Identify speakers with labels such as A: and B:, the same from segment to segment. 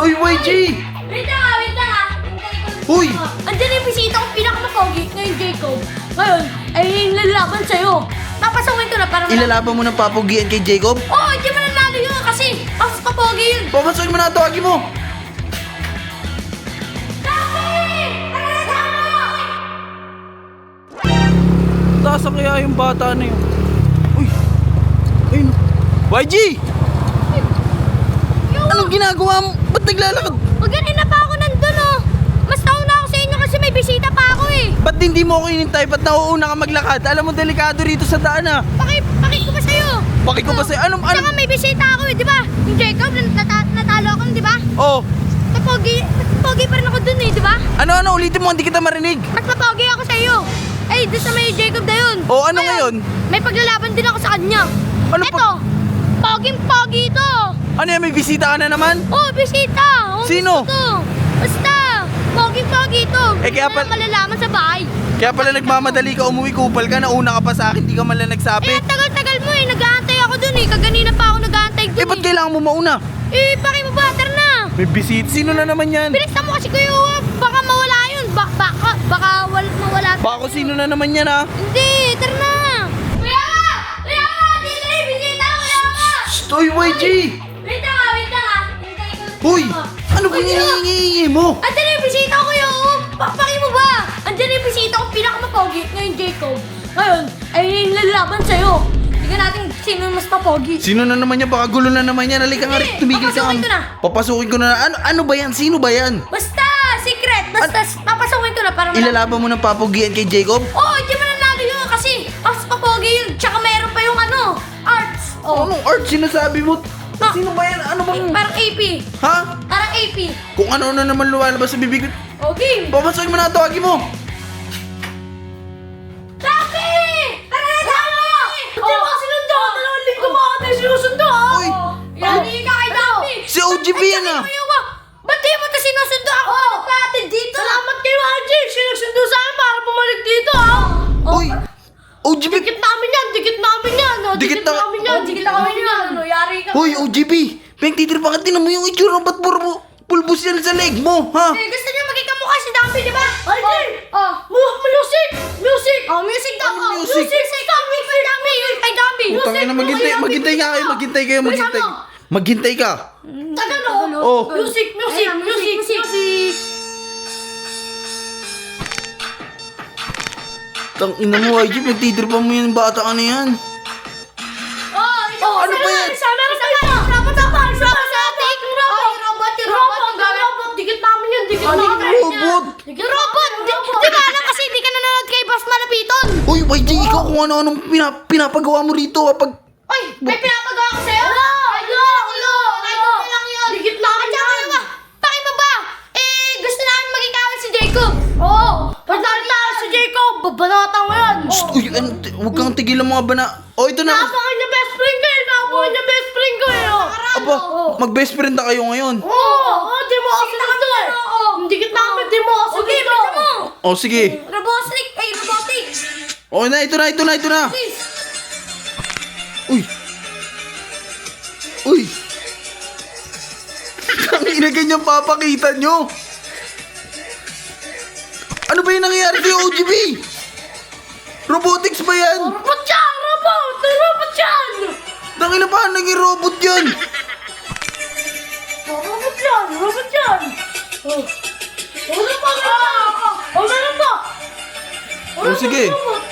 A: Soy YG!
B: Wait lang ah, wait lang ah.
A: Uy!
B: Andiyan yung bisita kong pinakamapogi ngayon, Jacob. Ngayon, ay yung lalaban sa'yo. Papasawin ko na para
A: Ilalaban mo ng papugian kay Jacob?
B: Oo, hindi mo nanalo yun kasi mas kapogi yun.
A: Papansoy mo na, tawagin mo! Tasa kaya yung bata na yun? Uy! Ayun! YG! Anong ginagawa mo? Ba't naglalakad?
B: Ganina pa ako nandun oh. Mas nauna ako sa inyo kasi may bisita pa ako eh.
A: Ba't hindi mo ako inintay? Ba't nauuna ka maglakad? Alam mo, delikado rito sa daan ah!
B: Pakit ko ba sa'yo?
A: Bakit ko ba sa'yo? Anong?
B: Tsaka may bisita ako eh, di ba? Yung Jacob, natalo ako di ba?
A: Oh!
B: Pogi pa rin ako dun eh, di ba?
A: Ano? Ulitin mo, hindi kita marinig!
B: Mas mapogi ako sa iyo. Eh, doon sa may Jacob na yun.
A: Oh, ano ngayon?
B: May paglalaban din ako sa kanya.
A: Ano
B: Ito, poging-pogi ito.
A: Ano yan? May bisita ka na naman?
B: Oh, bisita. Oh,
A: Sino?
B: gusto ko. Basta, poging-pogi ito.
A: Eh, kaya
B: Wala malalaman sa bahay.
A: Kaya pala nagmamadali ka, umuwi, kupal ka, nauna ka pa sa akin, di ka man lang
B: Eh,
A: nagsabi.
B: ang tagal-tagal mo eh. Nag-aantay ako dun eh. Kaganina pa ako nag-aantay dun
A: Ba't kailangan mo mauna?
B: Eh, paki mo ba? Tara na.
A: May bisita. Sino na naman yan?
B: Bilisan mo kasi kuya. Baka mawala yun. Baka mawala.
A: Baka kung sino na naman yan ha?
B: Hindi, tara na. Kuya! Kuya! Dito na yung bisita ko, kuya ka!
A: Stoy YG!
B: Wait lang ah, wait lang ah. Hintayin ko.
A: Hoy! Ano ba hinihingi mo?
B: Andiyan na yung bisita ko, kuya. Pakpaki mo ba? Andiyan na yung bisita ko, pinakamapogi ngayon, Jacob. Ngayon, ay yung lalaban sa'yo. Tingnan natin sino yung mas mapogi.
A: Sino na naman yan? Baka gulo na naman yan. Halika nga rin, tumigil ka.
B: Papasukin ko na.
A: Papasukin ko na. Ano ba yan? Sino ba yan?
B: Basta, secret. Basta, papasawin ko na para
A: Ilalaban mo ng papugian kay Jacob?
B: Oh, hindi mo nanalo yun kasi mas mapogi yun. Tsaka meron pa yung arts. Oh.
A: Anong art sinasabi mo?
B: Ah.
A: Sino ba yan? Ano bang...
B: Parang AP.
A: Ha?
B: Parang AP.
A: Kung ano na naman lumalabas sa bibig.
B: Okay.
A: Papasukin mo na, tawagin mo.
B: Taki! Tara na tayo! Hindi mo sinundo! Dalawang linggo mo ako tayo sinusundo!
A: Uy!
B: Hindi ka kay Dami!
A: Si OGB yan ah!
B: Ba't di mo ito sinusundo ako? Nagpatid dito! Salamat kay RJ! Sinusundo sa akin para bumalik dito
A: Uy! OGB!
B: Dikit namin yan! Dikit namin yan!
A: Dikit na-
B: namin yan! Dikit namin yan! Ano, yari ka!
A: Hoy, OGB! Peng, titirpa ka, tinan mo yung itsura. Ba't puro pulbos yan sa leg mo, ha?
B: Eh, gusto niyo maging kamukha si Dami, di ba? RJ! Music! Music! Oh, music daw!
A: Ano music?
B: Music! Kay Dami! Kay Dami!
A: Utang na, maghintay ka kayo, maghintay kayo, maghintay. Maghintay ka.
B: Tagalo!
A: Oh.
B: Music! Music! Music! Music!
A: Tang ina mo, YG, nagtitirpa mo yung bata ka na yan.
B: Oh,
A: ano ba yan?
B: Isa Robot! Dikit namin yan! Dikit namin
A: Robot!
B: Robot! Di ba alam kasi hindi ka nanonood kay Boss Malapiton?
A: Hoy, YG, ikaw kung ano-anong pinapagawa mo rito kapag...
B: Ay! May pinapagawa ko sa'yo? Ulo! lang yun! Dikit namin yan! Paki mo ba? Eh, gusto namin maging kawin si Jacob! Oo! Pag nakita si Jacob, babanata mo yan!
A: Uy, huwag kang tigilan mga bana. Oh, ito na.
B: Naapakan niya best friend ko eh! Naapakan niya best friend ko eh!
A: Aba, mag-best friend na kayo ngayon.
B: Oo! Di mo ako sinundo eh! Dikit namin, di mo ako sinundo!
A: Oh, sige.
B: Robotic! Ay, robotic!
A: Oh, ito na.
B: Please!
A: Uy. Uy. Ang ina ganyan papakita nyo. Ano ba yung nangyayari kay OGB? Robotics ba yan?
B: Robot yan! Robot! Robot yan!
A: Tangina pa, naging robot yan.
B: Robot yan! Robot yan! Ano pa? Ano pa?
A: Oh, sige.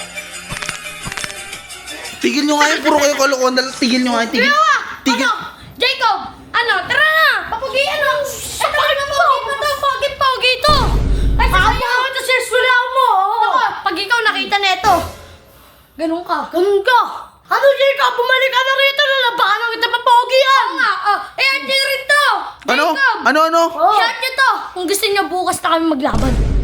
A: Tigil nyo nga yun, puro kayo kalokohan. Tigil nyo nga yun, tigil. Tigil.
B: Ano? Jacob! Ano? Tara na! Papugi ano? Ito na pogi ito! Ay, sa'yo! Ito sa eskwela mo! Pag ikaw nakita nito, ganun ka. Ano, Jacob? Bumalik ka na rito! Lalabanan kita papogi yan! Oo nga! Eh, andyan rin to!
A: Ano?
B: Jacob!
A: Ano?
B: Shot nyo to! Kung gusto nyo bukas na kami maglaban.